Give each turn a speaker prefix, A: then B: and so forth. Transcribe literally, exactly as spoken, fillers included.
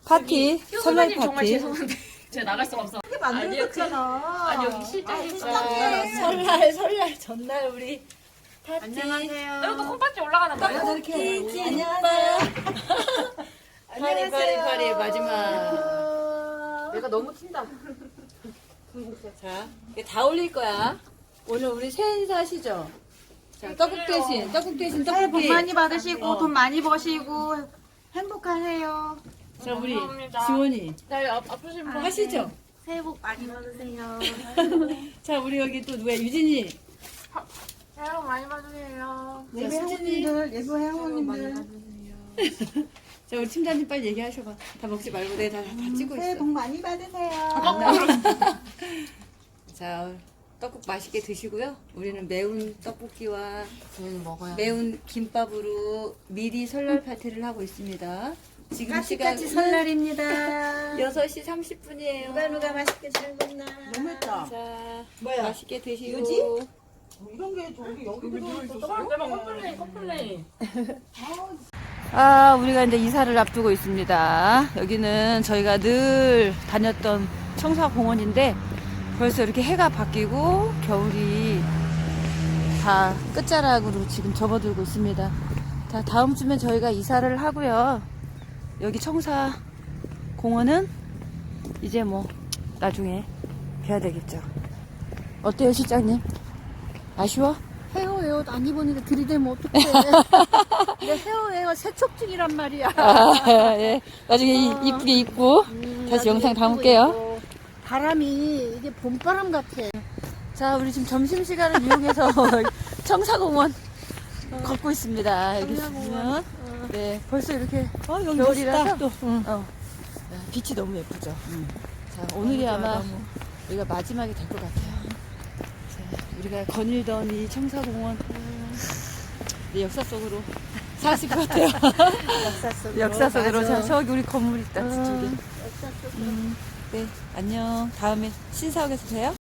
A: 파티, 설날
B: 정말
A: 파티.
B: 죄송한데 제가 나갈 수가 없어.
C: 이렇게 만들었잖아.
B: 아니 여기 실장님
A: 설날, 설날 전날 우리 파티.
B: 안녕하세요. 이것도 콩팥이 올라가는 거예요?
A: 떡볶이, 안녕하세요. 파리, 파리, 파리, 마지막.
B: 내가 너무 튄다.
A: 자, 이게 다 올릴 거야. 오늘 우리 새해 인사하시죠? 자, 떡국 대신, 떡국 대신
C: 새해 복
A: 떡볶이.
C: 많이 받으시고
A: 어.
C: 돈 많이 버시고 행복하세요.
A: 자, 우리
B: 감사합니다.
A: 지원이
B: 나 이거 아, 아프신 분
A: 하시죠?
C: 새해 복 많이 받으세요.
A: 자, 우리 여기 또 누구야? 유진이.
B: 새해 복 많이 받으세요.
C: 예배 회원님들, 예배 회원님들
A: 자, 우리 팀장님 빨리 얘기하셔봐. 다 먹지 말고 내가 다, 다 찍고
C: 새해
A: 있어.
C: 복 많이 받으세요.
A: 자, 떡국 맛있게 드시고요. 우리는 매운 떡볶이와
B: 저희는 먹어요.
A: 매운 김밥으로 미리 설날 파티를 하고 있습니다. 지금
C: 까치까치
A: 시간
C: 설날입니다.
A: 여섯 시 삼십 분이에요.
C: 누가 누가 맛있게 잘 먹나. 너무 했다.
A: 자,
C: 뭐야?
A: 맛있게 드시고.
C: 유지? 이런 게 저기 여기 들어있어.
B: 내가 컴플레인 컴플레인.
A: 아, 우리가 이제 이사를 앞두고 있습니다. 여기는 저희가 늘 다녔던 청사공원인데 벌써 이렇게 해가 바뀌고 겨울이 다 끝자락으로 지금 접어들고 있습니다. 자, 다음 주면 저희가 이사를 하고요. 여기 청사공원은 이제 뭐 나중에 뵈야 되겠죠. 어때요, 실장님? 아쉬워?
C: 헤어웨어 안 입으니까 들이대면 어떡해. 내 헤어웨어 세척증이란 말이야.
A: 아, 예. 나중에 이, 이쁘게 입고 다시 영상 담을게요.
C: 바람이 이게 봄바람 같아.
A: 자, 우리 지금 점심시간을 이용해서 청사공원 걷고 있습니다. 여기 보면. 네, 벌써 이렇게
C: 어, 여기
A: 겨울이라서
C: 또. 응.
A: 어, 빛이 너무 예쁘죠. 자, 오늘이 아마 우리가 마지막이 될 것 같아요. 자, 우리가 거닐던 이 청사공원 네, 역사 속으로 사실 것 같아요.
C: 역사 속으로.
A: 역사 속으로.
C: 맞아.
A: 자, 저기 우리 건물 있다, 저기.
C: 역사 속으로.
A: 음, 네, 안녕. 다음에 신사옥에서 봬요.